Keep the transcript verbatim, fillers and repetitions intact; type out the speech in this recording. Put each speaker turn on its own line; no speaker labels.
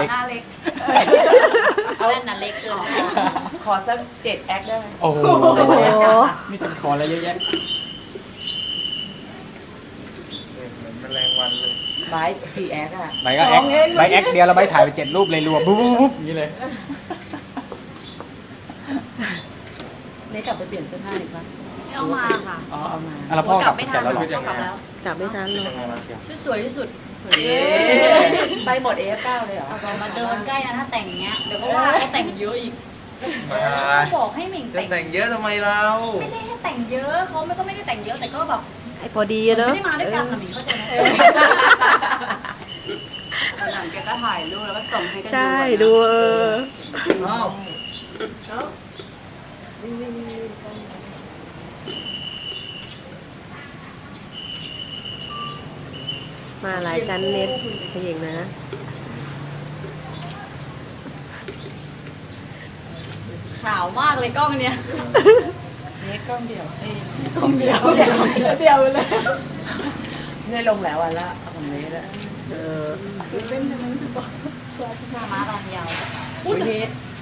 ล็ก
หน้าเล็ก
แว่นน่ะเล็กเกิน
ขอสักเจ็ดแอคได้ไหม
โอ้โห
โอ้โห
นี่จะขออะไรเยอะแยะ
เหมือนแมลงวันเลย
ไบร์ทกี่แอคอะ
ใบก็แอคใบแอคเดียวแล้วใบถ่ายไปเจ็ดรูปเลยรวมปุ๊บปุ๊บปุ๊บอย่างนี้เลย
นี่กลับไปเปลี่ยนเสื้อผ้าอีกปะ
ไม่เอามาค่ะ
อ๋อเอามา
อ่ะแล้วพ่อกลับ
ไม่ทั
แต่
น
แล้วเหรอ
พ่อกลับแล้ว
กลับไม่ทันหรอก
ยังไงวะ
ชุดสวยที่สุด
เย้ไปหมดเอฟเก้าเลยเหรอ
เอามาเดินใกล้นะถ้าแต่งเงี้ยเดี๋ยวก็ว่าเขาแต่งเยอะอีก
มา
เขาบอกให้เหม่ง
จะ
แต่ง
แต่งเยอะทำไมเรา
ไม่ใช่ให้แต่งเยอะเขาไม่ก็ไม่ได้แต่งเยอะแต่ก็แบบ
ไอ้พอดีอะเนอะ
ไม่ได้มาด้วยกันนะหมีเข้าใจไหม
หลังแกก็ถ่ายรูปแล้วก็ส่งให้กัน
ใช่ดูเออ
อ้าว
มาหลายชั้นเน็ตขยิงนะ
ขาวมากเลยกล้องเนี้ย
เน็ตกล้องเดียวเอ้ยกล้องเดียวเดียวเดียวเลยเนี่ยลงแล้ววันละของเน็ตอะ
เออ
หน้าม้าลองยาว
อุ้ยเน็ต